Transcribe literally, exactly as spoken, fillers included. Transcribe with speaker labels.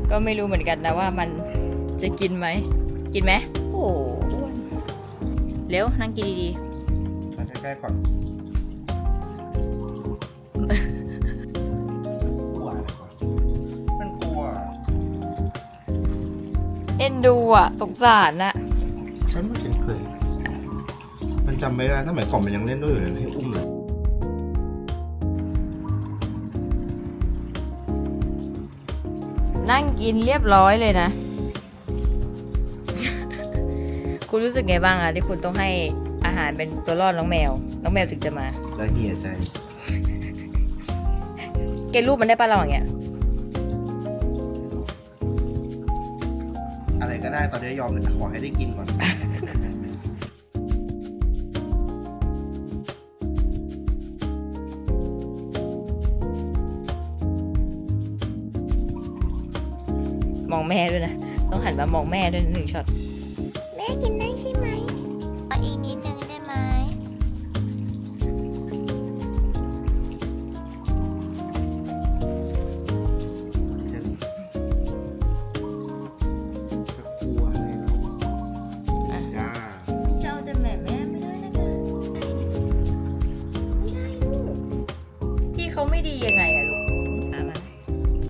Speaker 1: ก็ไม่รู้เหมือนกันนะว่ามันจะกินไหมกินไหมโอ้อ้วนเร็วนั่งกินดี
Speaker 2: ๆมาใกล้ๆก่อนกลัวอะไรก่อนมันกลัว
Speaker 1: ๆเอ็นดูอ่ะสงสารน่ะ
Speaker 2: ฉันไม่เคยมันจำไม่ได้สมัยก่อนมันยังเล่นด้วยอยู่เลยให้อุ้มเลย
Speaker 1: นั่งกินเรียบร้อยเลยนะ คุณรู้สึกไงบ้างอะที่คุณต้องให้อาหารเป็นตัวรอดน้องแมว น้องแมวถึงจะมา
Speaker 2: แล้วเหี่ยใจ
Speaker 1: เกณฑ์รูปมันได้ปะเราอย่างเงี้ย
Speaker 2: อะไรก็ได้ตอนนี้ยอมเลยขอให้ได้กินก่อน
Speaker 1: มองแม่ด้วยนะ ต้องหันมามองแม่ด้วยนะหนึ่งช็อต
Speaker 3: แม่กินได้ใช่ไหมเอาอีกนิดนึงได้ไหม
Speaker 2: จะกลัวอะไรแล้วจ้า
Speaker 1: เจ้าจะแม่แม่ไม่ได้นะคะไม่ได้ลูกที่เขาไม่ดียังไงอะ